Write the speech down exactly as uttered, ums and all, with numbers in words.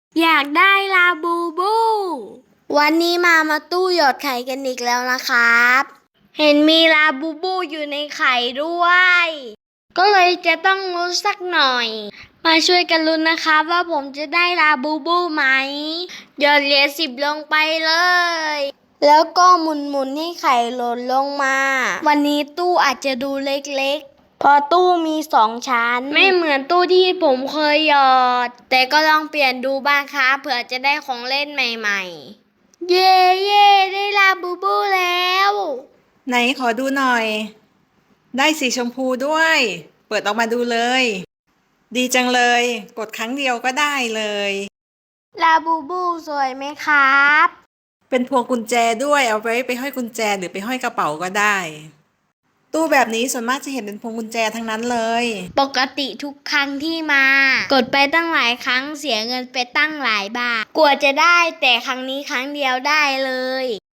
อยากได้ลาบูบู วันนี้มามาตู้หยอดไข่กันอีกแล้วนะครับ เห็นมีลาบูบูอยู่ในไข่ด้วย ก็เลยจะต้องลุ้นสักหน่อย มาช่วยกันลุ้นนะครับว่าผมจะได้ลาบูบูไหม หยอดเหรียญสิบลงไปเลย แล้วก็หมุนๆให้ไข่หล่นลงมา วันนี้ตู้อาจจะดูเล็กๆเพราะตู้มีสองชั้น ไม่เหมือนตู้ที่ผมเคยหยอด แต่ก็ลองเปลี่ยนดูบ้างครับเผื่อจะได้ของเล่นใหม่ๆ เย่เย่ได้ลาบูบูแล้วไหนขอดูหน่อย ได้สีชมพูด้วย เปิดออกมาดูเลย ดีจังเลย กดครั้งเดียวก็ได้เลยลาบูบูสวยไหมครับเป็นพวงกุญแจด้วยเอาไว้ไปห้อยกุญแจหรือไปห้อยกระเป๋าก็ได้ ตู้แบบนี้ส่วนมากจะเห็นเป็นพวงกุญแจทั้งนั้นเลยปกติทุกครั้งที่มา กดไปตั้งหลายครั้งเสียเงินไปตั้งหลายบาทกว่าจะได้แต่ครั้งนี้ครั้งเดียวได้เลย